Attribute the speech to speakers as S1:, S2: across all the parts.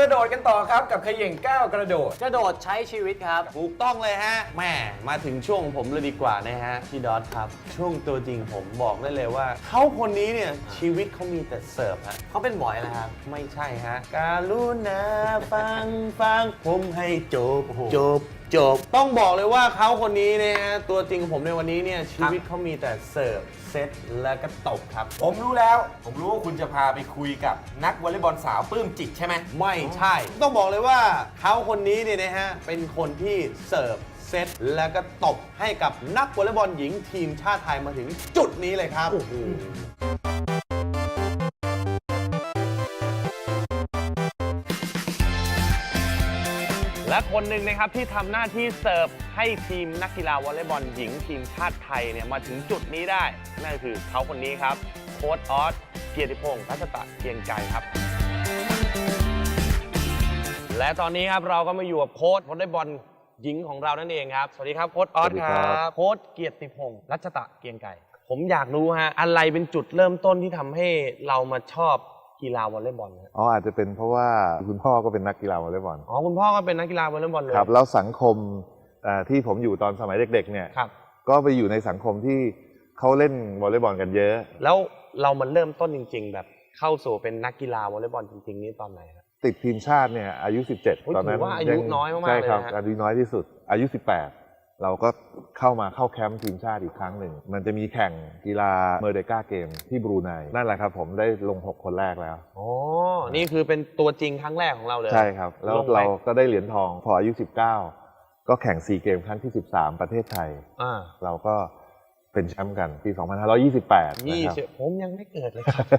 S1: ระโดดกันต่อครับกับเขย่งก้าวกระโดด
S2: กระโดดใช้ชีวิตครับ
S3: ถูกต้องเลยฮะแม่มาถึงช่วงของผมเลยดีกว่านะฮะพี่ดอทครับช่วงตัวจริงผมบอกได้เลยว่าเขาคนนี้เนี่ยชีวิตเขามีแต่เสิร์ฟฮะ
S2: เขาเป็นบอยนะครับ
S3: ไม่ใช่ฮะการุณาฟังผมให้จบต้องบอกเลยว่าเขาคนนี้เนี่ยฮะตัวจริงของผมในวันนี้เนี่ยชีวิตเขามีแต่เสิร์ฟเซตแล้วก็ตบครับ
S1: ผมรู้แล้วผมรู้ว่าคุณจะพาไปคุยกับนักวอลเลย์บอลสาวปลื้มจิตใช่ไหม
S3: ไม่ใช่ ต้องบอกเลยว่าเขาคนนี้เนี่ยนะฮะเป็นคนที่เสิร์ฟเซตแล้วก็ตบให้กับนักวอลเลย์บอลหญิงทีมชาติไทยมาถึงจุดนี้เลยครับและคนหนึ่งนะครับที่ทำหน้าที่เสิร์ฟให้ทีมนักกีฬาวอลเลย์บอลหญิงทีมชาติไทยเนี่ยมาถึงจุดนี้ได้นั่นก็คือเขาคนนี้ครับโค้ชออสเกียรติพงศ์รัชตะเกียงไกรครับและตอนนี้ครับเราก็มาอยู่กับโค้ชวอลเลย์บอลหญิงของเรานั่นเองครับสวัสดีครับโค้ชออสครับโค้ชเกียรติพงศ์รัชตะเกียงไกรผมอยากรู้ฮะอะไรเป็นจุดเริ่มต้นที่ทำให้เรามาชอบกีฬาวอลเลย์บอล
S4: อาจจะเป็นเพราะว่าคุณพ่อก็เป็นนักกีฬาวอลเลย์บอล
S3: คุณพ่อก็เป็นนักกีฬาวอลเลย์บอลเลย
S4: ครับแล้วสังคมที่ผมอยู่ตอนสมัยเด็กๆเนี่ยก็ไปอยู่ในสังคมที่เขาเล่นวอลเลย์บอลกันเยอะ
S3: แล้วเรามันเริ่มต้นจริงๆแบบเข้าสู่เป็นนักกีฬาวอลเลย์บอลจริงๆนี่ตอนไหนครับ
S4: ติดทีมชาติเนี่ยอายุ17ตอนนั้น
S3: ว่าอายุน้อยมากๆเลย
S4: ใช่ครับอายุน้อยที่สุดอายุ18เราก็เข้าแคมป์ทีมชาติอีกครั้งหนึ่งมันจะมีแข่งกีฬาเมอร์เดกาเกมที่บรูไนนั่นแหละครับผมได้ลง6คนแรกแล้ว
S3: นี่คือเป็นตัวจริงครั้งแรกของเราเลย
S4: ใช่ครับแล้วเราก็ได้เหรียญทองพออายุ19ก็แข่ง4เกมครั้งที่13ประเทศไทยเราก็เป็นแชมป์กันปี2528นะครับ
S3: ผมยังไม่เกิดเลยครับ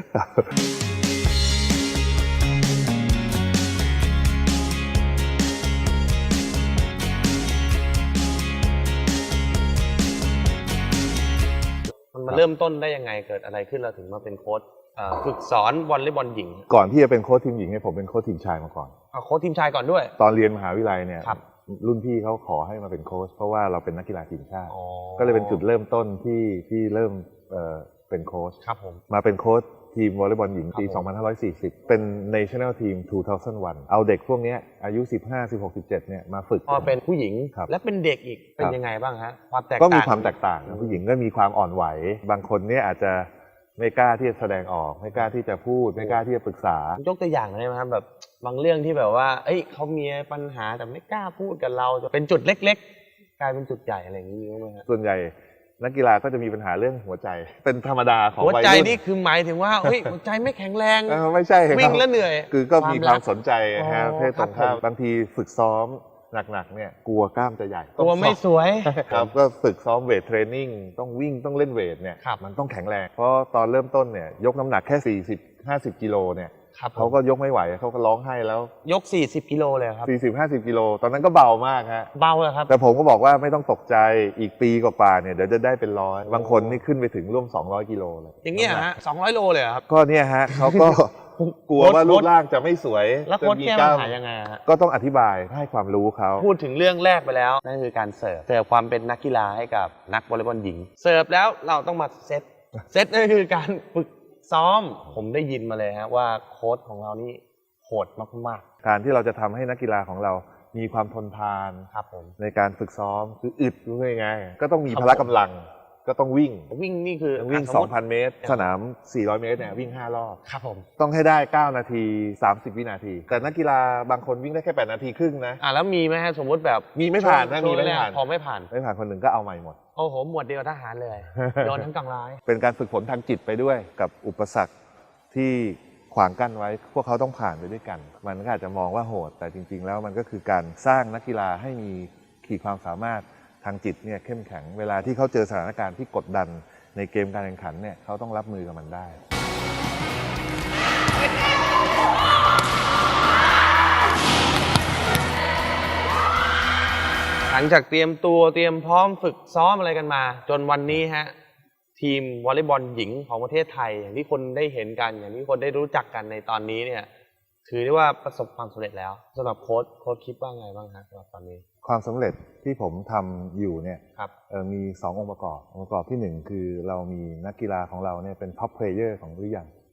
S3: มันเริ่มต้นได้ยังไงเกิดอะไรขึ้นเราถึงมาเป็นโค้ชฝึกสอนวอลเลย์บอลหญิง
S4: ก่อนที่จะเป็นโค้ชทีมหญิงเนี่ยผมเป็นโค้ชทีมชายมาก่อน
S3: โค้ชทีมชายก่อนด้วย
S4: ตอนเรียนมหาวิทยาลัยเนี่ยรุ่นพี่เขาขอให้มาเป็นโค้ชเพราะว่าเราเป็นนักกีฬาทีมชาติก็เลยเป็นจุดเริ่มต้นที่เริ่มเป็นโค้ชมาเป็นโค้ชทีมวอลเลย์บอลหญิงปี 2540 เป็น National Team 2001 เอาเด็กพวกนี้อายุ 15 16 17 เนี่ยมาฝึก
S3: พอเป็นผู้หญิงและเป็นเด็กอีกเป็นยังไงบ้างฮะความแตกต่าง
S4: ก็มีความแตกต่างผู้หญิงก็มีความอ่อนไหวบางคนเนี่ยอาจจะไม่กล้าที่จะแสดงออกไม่กล้าที่จะพูดไม่กล้าที่จะปรึกษาย
S3: กตัวอย่างได้ไหมครับแบบบางเรื่องที่แบบว่าเขามีปัญหาแต่ไม่กล้าพูดกับเราจะเป็นจุดเล็กๆกลายเป็นจุดใหญ่อะไรอย่างนี้ไหมครับ
S4: ส่วนใหญ่นักกีฬาก็จะมีปัญหาเรื่องหัวใจเป็นธรรมดาของ
S3: หัวใจนี่คือหมายถึงว่าหัวใจไม่แข็งแรง
S4: ไม่ใช่
S3: วิ่งแล้วเหนื่อย
S4: คือก็มีความสนใจฮะเพศตรงข้ามบางทีฝึกซ้อมหนักๆเนี่ยกลัวกล้ามจะใหญ่
S3: กลัวไม่สวย
S4: ครับก็ฝึกซ้อมเวทเทรนนิ่งต้องวิ่งต้องเล่นเวทเนี่ยมันต้องแข็งแรงเพราะตอนเริ่มต้นเนี่ยยกน้ำหนักแค่40-50กิโลเนี่ยเขาก็ยกไม่ไหวเขาก็ร้องไห้แล้ว
S3: ยก40กิโลเลยครับ
S4: 40-50กิโลตอนนั้นก็เบามากฮะ
S3: เบาเลยครับ
S4: แต่ผมก็บอกว่าไม่ต้องตกใจอีกปีกว่าๆเนี่ยเดี๋ยวจะได้เป็น100บางคนนี่ขึ้นไปถึงร่วม200กิโลเลย
S3: อย่างเงี้ยฮะ200โลเลยครับ
S4: ก็เนี่ยฮะเขาก็กลัวว่ารูปร่างจะไม่สวย
S3: แล้วโค้ชแก้ปัญหายังไงฮะ
S4: ก็ต้องอธิบายให้ความรู้เขา
S3: พูดถึงเรื่องแรกไปแล้วนั่นคือการเสิร์ฟความเป็นนักกีฬาให้กับนักวอลเลย์บอลหญิงเสิร์ฟแล้วเราต้องมาเซตนั่นคือการฝึกซ้อมผมได้ยินมาเลยฮะว่าโค้ชของเรานี่โหดมาก
S4: ๆการที่เราจะทำให้นักกีฬาของเรามีความทนทานในการฝึกซ้อมคืออึดรู้ไงก็ต้องมีพละกำลังก็ต้องวิ่ง
S3: นี่คือ
S4: วิ่ง 2,000 เมตรสนาม 400 เมตรเนี่ยวิ่ง5รอบ
S3: ครับผม
S4: ต้องให้ได้9นาที30วินาทีแต่นักกีฬาบางคนวิ่งได้แค่8นาทีครึ่งนะ
S3: แล้วมีไหมฮะสมมติแบบ
S4: มีไม่ผ่านถ้ามีไม่ผ่าน
S3: พอไม่ผ่าน
S4: คนหนึ่งก็เอาใหม่หมด
S3: โอ้โหหมวดเดียวทหารเลยโดนทั้งกลางร้าย
S4: เป็นการฝึกฝนทางจิตไปด้วยกับอุปสรรคที่ขวางกั้นไว้พวกเขาต้องผ่านไปด้วยกันมันก็อาจจะมองว่าโหดแต่จริงๆแล้วมันก็คือการสร้างนักกีฬาให้มีขีดความสามารถทางจิตเนี่ยเข้มแข็งเวลาที่เขาเจอสถานการณ์ที่กดดันในเกมการแข่งขันเนี่ยเขาต้องรับมือกับมันได้
S3: หลังจากเตรียมตัวเตรียมพร้อมฝึกซ้อมอะไรกันมาจนวันนี้ฮะทีมวอลเลย์บอลหญิงของประเทศไทยอย่างที่คนได้เห็นกันอย่างที่คนได้รู้จักกันในตอนนี้เนี่ยถือได้ว่าประสบความสำเร็จแล้วสำหรับโค้ชคิดว่าไงบ้างฮะสำหรับตอนนี้
S4: ความสำเร็จที่ผมทำอยู่เนี่ยมี2องค์ประกอบที่1คือเรามีนักกีฬาของเราเนี่ยเป็นท็อปเพลเยอร์ของหรือยัง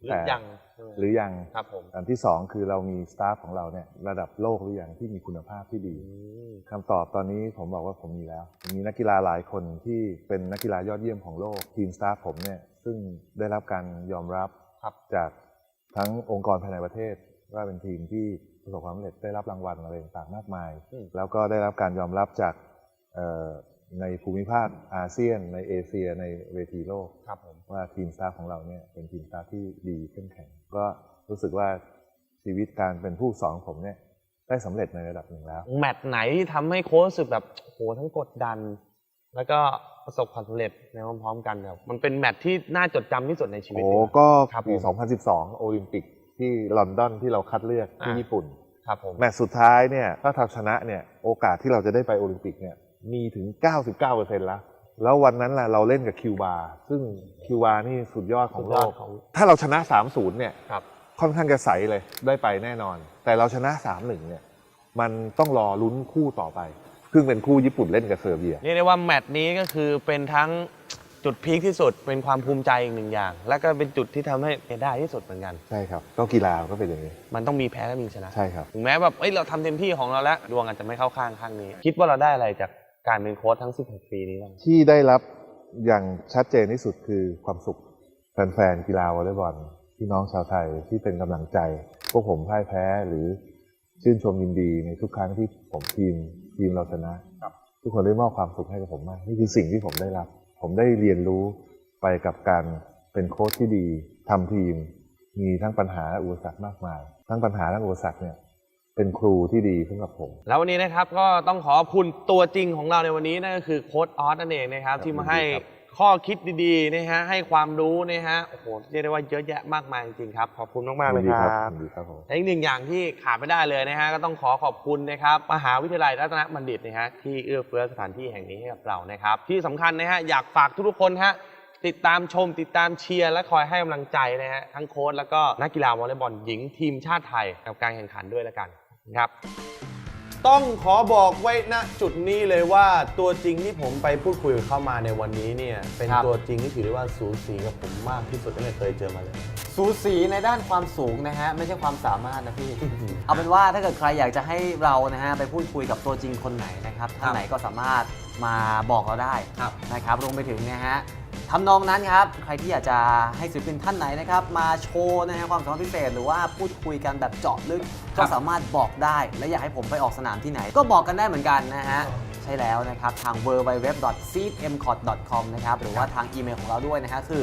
S3: หรือยัง
S4: หรือยัง
S3: ครับผม
S4: อันที่สองคือเรามีสตาฟของเราเนี่ยระดับโลกหรือยังที่มีคุณภาพที่ดีคำตอบตอนนี้ผมบอกว่าผมมีแล้วมีนักกีฬาหลายคนที่เป็นนักกีฬายอดเยี่ยมของโลกทีมสตาฟผมเนี่ยซึ่งได้รับการยอมรับจากทั้งองค์กรภายในประเทศว่าเป็นทีมที่ประสบความสำเร็จได้รับรางวัลอะไรต่างๆมากมายแล้วก็ได้รับการยอมรับจากในภูมิภาคอาเซียนในเอเชียในเวทีโลกว่าทีมสตาฟของเราเนี่ยเป็นทีมสตาฟที่ดีเข้มแข็งก็รู้สึกว่าชีวิตการเป็นผู้สอนผมเนี่ยได้สำเร็จในระดับหนึ่งแล้ว
S3: แมตช์ไหนที่ทำให้โค้ชรู้สึกแบบโหทั้งกดดันแล้วก็ประสบความสำเร็จในพร้อมๆกันครับมันเป็นแมตช์ที่น่าจดจำที่สุดในชีวิต
S4: ก็ปี 2012 โอลิมปิกที่ลอนดอนที่เราคัดเลือกที่ญี่ปุ่นแมตช์สุดท้ายเนี่ยถ้าทำชนะเนี่ยโอกาสที่เราจะได้ไปโอลิมปิกเนี่ยมีถึง 99% แล้ววันนั้นล่ะเราเล่นกับคิวบาซึ่งคิวบานี่สุดยอดของโลกถ้าเราชนะ 3-0 เนี่ยค่อนข้างจะใสเลยได้ไปแน่นอนแต่เราชนะ 3-1 เนี่ยมันต้องรอลุ้นคู่ต่อไปซึ่งเป็นคู่ญี่ปุ่นเล่นกับเซอร์เบีย
S3: เรียกได้ว่าแมตช์นี้ก็คือเป็นทั้งจุดพีคที่สุดเป็นความภูมิใจอีกหนึ่งอย่างและก็เป็นจุดที่ทำให้ได้ที่สุดเหมือนกัน
S4: ใช่ครับก็กีฬาก็เป็นอย่างนี้
S3: มันต้องมีแพ้และมีชนะ
S4: ใช่ครับ
S3: ถึงแม้แบบเราทำเต็มที่ของเราแล้วดวงอาจจะไม่เข้าข้างนี้คิดว่าเราได้อะไรจากการเป็นโค้ชทั้ง16 ปีนี้บ้าง
S4: ที่ได้รับอย่างชัดเจนที่สุดคือความสุขแฟนๆกีฬาวอลเลย์บอลพี่น้องชาวไทยที่เป็นกำลังใจพวกผมพ่ายแพ้หรือชื่นชมยินดีในทุกครั้งที่ผมทีมเราชนะทุกคนได้มอบความสุขให้กับผมมากนี่คือสิ่งที่ผมได้รับผมได้เรียนรู้ไปกับการเป็นโค้ชที่ดีทำทีมมีทั้งปัญหาและอุปสรรคมากมายทั้งปัญหาและอุปสรรคเนี่ยเป็นครูที่ดีสำหรับผม
S3: แล้ววันนี้นะครับก็ต้องขอบคุณตัวจริงของเราในวันนี้นั่นก็คือโค้ชออสนั่นเองนะครับที่มาให้ข้อคิดดีๆนะฮะให้ความรู้นะฮะโอ้โหเรียกได้ว่าเยอะแยะมากมายจริงๆครับขอบคุณมากๆเลยครับและอีกหนึ่งอย่างที่ขาดไม่ได้เลยนะฮะก็ต้องขอบคุณนะครับมหาวิทยาลัยรัตนบัณฑิตนะฮะที่เอื้อเฟื้อสถานที่แห่งนี้ให้กับเรานะครับที่สำคัญนะฮะอยากฝากทุกๆคนฮะติดตามชมติดตามเชียร์และคอยให้กำลังใจนะฮะทั้งโค้ชแล้วก็นักกีฬาวอลเลย์บอลหญิงทีมชาติไทยกับการแข่งขันด้วยแล้วกันครับต้องขอบอกไว้ณจุดนี้เลยว่าตัวจริงที่ผมไปพูดคุยกับเข้ามาในวันนี้เนี่ยเป็นตัวจริงที่ถือได้ว่าสูสีกับผมมากที่สุดที่เคยเจอมาเลย
S2: สูสีในด้านความสูงนะฮะไม่ใช่ความสามารถนะพี่ เอาเป็นว่าถ้าเกิดใครอยากจะให้เรานะฮะไปพูดคุยกับตัวจริงคนไหนนะครับท่านไหนก็สามารถมาบอกเราได้นะครับรวมไปถึงนะฮะทำนองนั้นครับใครที่อยากจะให้ศิลปินท่านไหนนะครับมาโชว์นะฮะความสามารถพิเศษหรือว่าพูดคุยกันแบบเจาะลึกก็สามารถบอกได้และอยากให้ผมไปออกสนามที่ไหนก็บอกกันได้เหมือนกันนะฮะใช่แล้วนะครับทาง www.seedmcot.com นะครับหรือว่าทางอีเมลของเราด้วยนะฮะคือ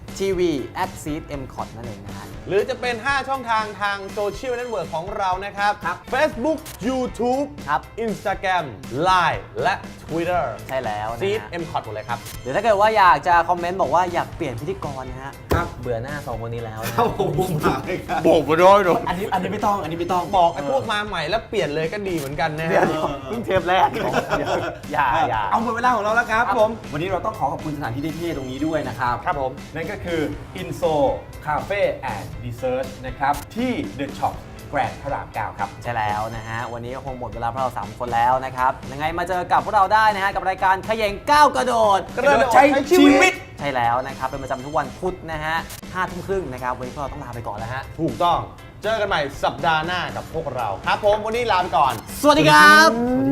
S2: tv@seedmcot นั่นเองนะฮะ
S3: หรือจะเป็น5ช่องทางโซเชียลเน็ตเวิร์กของเรานะครับ Facebook YouTube Instagram Line และ Twitter
S2: ใช่แล้วนะ
S3: seedmcot หมดเลยครับ
S2: หรือถ้าเกิดว่าอยากจะคอมเมนต์บอกว่าอยากเปลี่ยนพิธีกรนะฮะเบื่อหน้า2คนนี้แล้วนะ
S3: บอกมาด้วยหนู
S2: อันนี้ไม่ต้อง
S3: บอกไอ้พวกมาใหม่แล้วเปลี่ยนเลยก็ดีเหมือนกันนะฮะ
S2: เพิ่งเทปแรกอย่า
S1: เอาหมดเวลาของเราแล้วครับผมวันนี้เราต้องขอบคุณสถานที่เท่ๆตรงนี้ด้วยนะครับ
S3: ครับผม
S1: นั่นก็คือ Inso Cafe and Dessert นะครับที่ The Shop แกรนด์พระราม 9 ครับ
S2: ใช่แล้วนะฮะวันนี้ก็คงหมดเวลาพวกเรา3คนแล้วนะครับยังไงมาเจอกับพวกเราได้นะฮะกับรายการเขย่งก้าวกระโดด
S1: ใช้ชีวิต
S2: ใช่แล้วนะครับเป็นประจำทุกวันพุธนะฮะ 5:30 นนะครับวันนี้พวกเราต้องลาไปก่อนแล้วฮะ
S3: ถูกต้องเจอกันใหม่สัปดาห์หน้ากับพวกเราครับผมวันนี้ลาไปก่อน
S2: สวัสดีครับ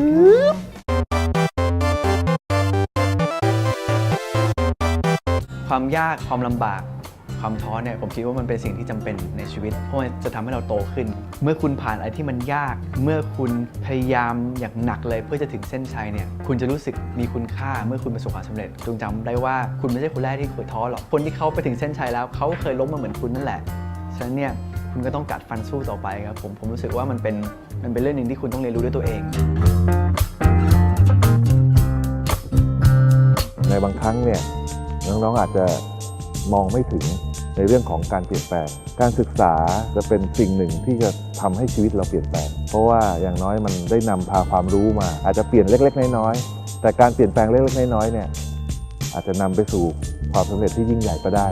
S5: ความยากความลำบากความท้อเนี่ยผมคิดว่ามันเป็นสิ่งที่จำเป็นในชีวิตเพราะมันจะทำให้เราโตขึ้นเมื่อคุณผ่านอะไรที่มันยากเมื่อคุณพยายามอย่างหนักเลยเพื่อจะถึงเส้นชัยเนี่ยคุณจะรู้สึกมีคุณค่าเมื่อคุณประสบความสำเร็จจงจำได้ว่าคุณไม่ใช่คนแรกที่เคยท้อหรอกคนที่เขาไปถึงเส้นชัยแล้วเขาเคยล้มมาเหมือนคุณนั่นแหละฉะนั้นเนี่ยคุณก็ต้องกัดฟันสู้ต่อไปครับผมรู้สึกว่ามันเป็นเรื่องนึงที่คุณต้องเรียนรู้ด้วยตัวเอง
S4: ในบางครั้งเนี่ยน้องๆอาจจะมองไม่ถึงในเรื่องของการเปลี่ยนแปลงการศึกษาจะเป็นสิ่งหนึ่งที่จะทำให้ชีวิตเราเปลี่ยนแปลงเพราะว่าอย่างน้อยมันได้นำพาความรู้มาอาจจะเปลี่ยนเล็กๆน้อยๆแต่การเปลี่ยนแปลงเล็กๆน้อยๆเนี่ยอาจจะนำไปสู่ความสำเร็จที่ยิ่งใหญ่ก็ได้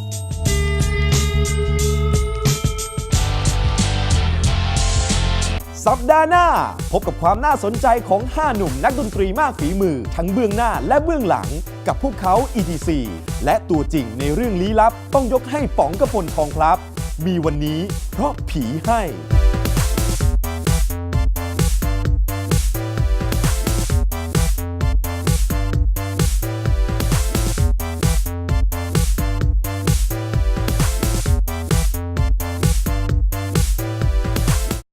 S6: สัปดาห์หน้าพบกับความน่าสนใจของ5หนุ่มนักดนตรีมากฝีมือทั้งเบื้องหน้าและเบื้องหลังกับพวกเขา ETC และตัวจริงในเรื่องลี้ลับต้องยกให้ป๋องกพลทองพลับมีวันนี้เพราะผีให้